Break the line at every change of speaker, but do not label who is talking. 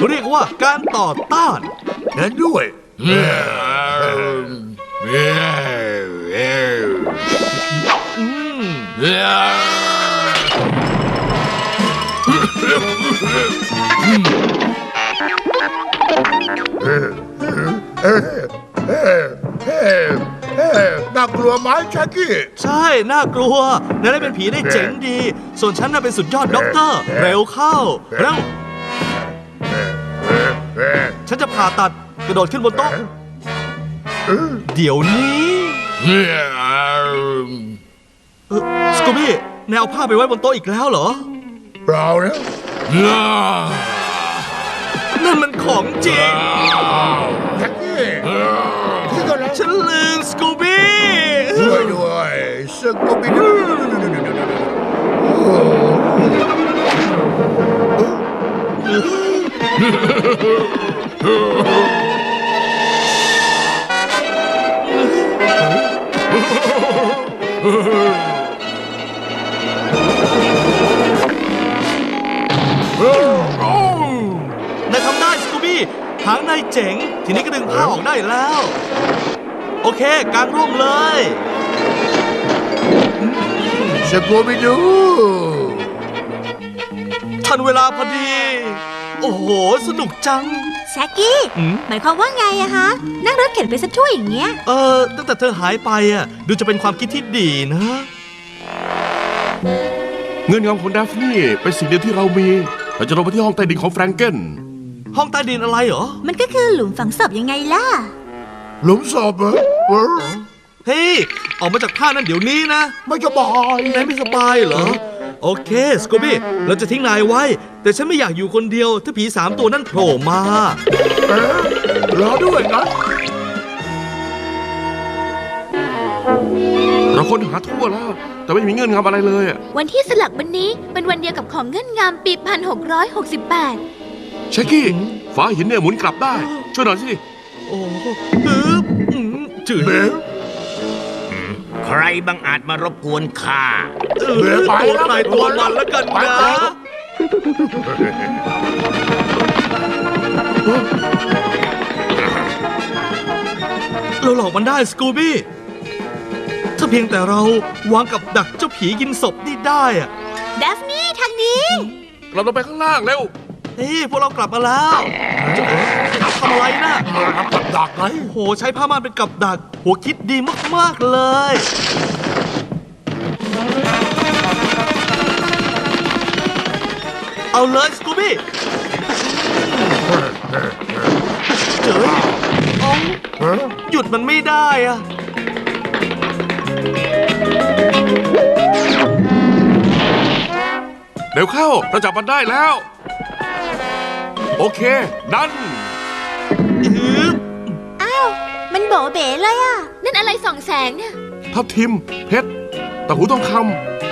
เรียกว่าการต่อต้าน
เห็นด้วย น่ากลัวไหมแจ็คกี้
ใช่น่ากลัวนายได้เป็นผีได้เจ๋งดี ส่วนฉันน่ะเป็นสุดยอดด็อกเตอร์เร็วเข้าเร็วฉันจะผ่าตัดกระโดดขึ้นบนโต๊ะเดี๋ยวนี้สกูบี้นายเอาผ้าไปไว้บนโต๊ะอีกแล้วเหรอ
เปล่านะ
นั่นมันของจริง
แจ็คกี้ที่ก็แล้ว
ฉันลืมสกูบี้
ช่วยด้วยสกูบี้ดู
นายทำได้สกูบี้หางนายเจ๋ง ทีนี้ก็ดึงผ้าออกได้แล้ว โอเคกางร่มเลย
สกูบี้ดู
ทันเวลาพอดี โอ้โห สนุกจัง
แซกกี้ หมายความว่าไงอะฮะ นั่งรถเข็นไปซะช่วยอย่างเงี้ย
ตั้งแต่เธอหายไปอ่ะ ดูจะเป็นความคิดที่ดีนะ
เงื่อนงำของดาฟนี่เป็นสิ่งเดียวที่เรามีเราจะลงไปที่ห้องใต้ดินของแฟรงเกน
ห้องใต้ดินอะไรเหรอ
มันก็คือหลุมฝังศพยังไงล่ะ
หลุมศพเหรอ
เฮ้ย ออกมาจากผ้านั่นเดี๋ยวนี้นะ
ไม่จะบอก
นายไม่สบายเหรอ โอเค สกูบี้ เราจะทิ้งนายไว้ แต่ฉันไม่อยากอยู่คนเดียว ถ้าผี3 ตัวนั่นโผล่มา
รอด้วยนะ
เราค้นหาทั่วแล้ว แต่ไม่มีเงื่อนงำอะไรเลยอะ
วันที่สลักวันนี้เป็นวันเดียวกับของเงื่อนงามปี 1668
เชคกี้ฝาหินเนี่ยหมุนกลับได้ ช่วยหน่อยสิ
โอ้ฮึบจืด
เบล
ใครบังอาจมารบกวนข้า
ตัวใครตัวมันแล้วกันนะ เราหลอกมันได้สกูบี้ ถ้าเพียงแต่เราวางกับดักเจ้าผีกินศพนี่ได้อะ
เดฟนี่ทางนี้
เราลงไปข้างล่างเร็ว
เฮ้ยพวกเรากลับมาแล้วทำอะไรนะ
มากับดักไง
โอ้โห ใช้ผ้าม่านเป็นกับดัก หัวคิดดีมากๆเลย เอาเลยสกูบี้เจ๋ยเอาหยุดมันไม่ได้อะ
เร็วเข้า เราจับมันได้แล้ว โอเค ดัน
ฮึบ
อ้าว มันโบเบ๋เลยอะ
นั่นอะไรส่องแสงเนี่ย
ทับทิม เพชรตะหูทองค